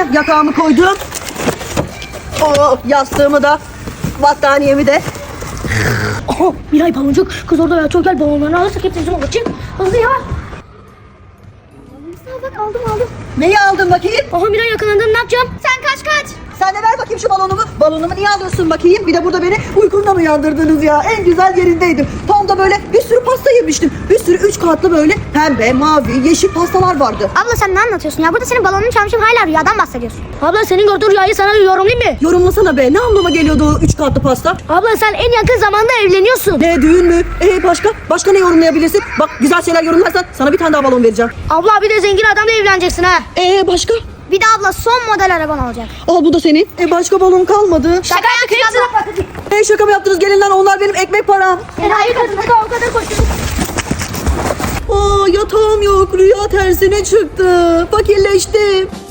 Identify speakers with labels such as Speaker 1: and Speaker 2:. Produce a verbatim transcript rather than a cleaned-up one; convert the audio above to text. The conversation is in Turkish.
Speaker 1: yatağımı koydum. Oo, yastığımı da, battaniyemi de.
Speaker 2: Aha Miray baloncuk. Kız orada ya, çok gel balonlarını alırsak hep bizim olur. Çık hızlı ya.
Speaker 3: Bak aldım aldım.
Speaker 1: Neyi aldın bakayım?
Speaker 2: Aha Miray yakalandım, ne yapacağım?
Speaker 3: Sen kaç kaç.
Speaker 1: Sen de ver bakayım şu balonumu. Balonumu niye alıyorsun bakayım? Bir de burada beni uykumdan uyandırdınız ya. En güzel yerindeydim. Tam da böyle bir sürü pasta yemiştim. Bir sürü üç katlı böyle pembe, mavi, yeşil pastalar vardı.
Speaker 3: Abla sen ne anlatıyorsun ya? Burada senin balonunu çalmışım, hala rüyadan bahsediyorsun.
Speaker 2: Abla senin gördüğün rüyayı sana yorumlayayım mı?
Speaker 1: Yorumlasana be. Ne anlama geliyordu o üç katlı pasta?
Speaker 2: Abla sen en yakın zamanda evleniyorsun.
Speaker 1: Ne, düğün mü? Ee başka? Başka ne yorumlayabilirsin? Bak, güzel şeyler yorumlarsan sana bir tane daha balon vereceğim.
Speaker 2: Abla bir de zengin adamla evleneceksin ha.
Speaker 1: Ee başka?
Speaker 3: Bir de abla son model araban olacak.
Speaker 1: Al, bu da senin. E başka balon kalmadı.
Speaker 3: Şaka yaptık abla.
Speaker 1: E şaka mı yaptınız? Gelin lan, onlar benim ekmek param.
Speaker 2: Enayi kadını da o kadar koşturduk.
Speaker 1: Aa, yatağım yok. Rüya tersine çıktı. Fakirleştim.